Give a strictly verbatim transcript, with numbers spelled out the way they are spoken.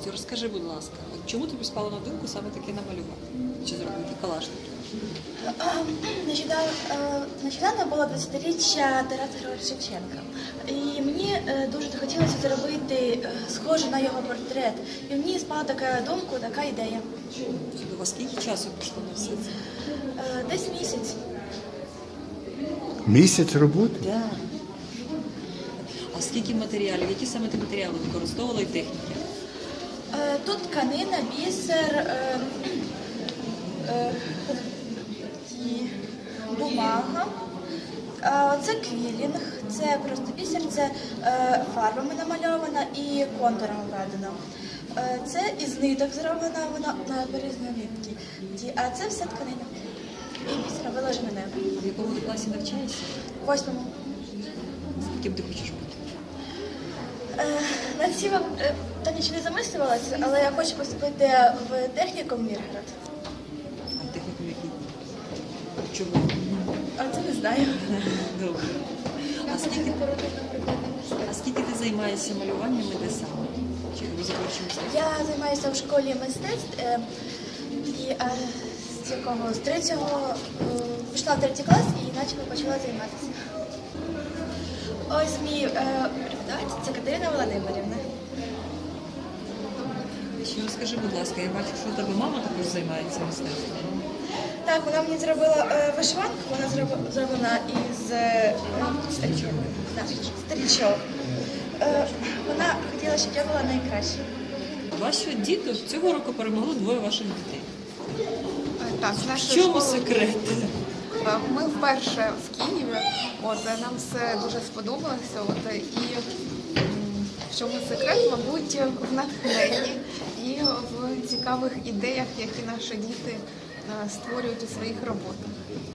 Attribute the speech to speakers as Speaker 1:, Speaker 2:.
Speaker 1: творчістю. Розкажи, будь ласка, чому тобі спало на думку саме таке намалювати? Чи зробити калашники?
Speaker 2: Нещодавно, е, нещодавно було двадцятиріччя Тараса Григоровича Шевченка. І мені е, дуже захотілося зробити е, схоже на його портрет. І мені спала така думка, така ідея.
Speaker 1: Чудово, скільки часу пішло на все це?
Speaker 2: Е, Десь місяць.
Speaker 3: Місяць роботи?
Speaker 1: Так. А скільки матеріалів? Які саме ти матеріали використовувала і техніки?
Speaker 2: Е, Тут тканина, бісер, е, е, і бумага. А це квілінг, це просто бісер, це е, фарбами намальована і контуром введено. Е, це із ниток зроблена, вона на березні нитки. Ті- А це все тканина. І бісер виложене небо.
Speaker 1: В якому ти класі навчаєшся?
Speaker 2: В восьмому.
Speaker 1: Ким ти хочеш бути?
Speaker 2: Е, Над цим е, та нічого не замислювалася, але я хочу поступити в технікум Міргород.
Speaker 1: А техніку який? Чому?
Speaker 2: А це не знаю.
Speaker 1: Добре. А скільки, а скільки ти займаєшся малюванням і де саме? Чи розробчим мистецтвом?
Speaker 2: Я займаюся в школі мистецтв. е, І е, з якого з третього е, пішла в третій клас і почала почала займатися. Ось мій е, преподаватель це Катерина Володимирівна.
Speaker 1: Ще розкажи, будь ласка, я бачу, що у тебе мама також займається мистецтвом.
Speaker 2: Так, вона мені зробила е, вишиванку, вона зроб- зроблена із е, стрічок. Так, стрічок. Е, вона хотіла, щоб я була найкраща.
Speaker 1: Ваші діти цього року перемогли двоє ваших дітей.
Speaker 4: Так, з
Speaker 1: В
Speaker 4: нашої
Speaker 1: чому
Speaker 4: школи
Speaker 1: секрет?
Speaker 4: ми вперше в Києві. От е, нам все дуже сподобалося. От е, і м, в чому секрет, мабуть, в натхненні і в цікавих ідеях, які наші діти е, створюють у своїх роботах.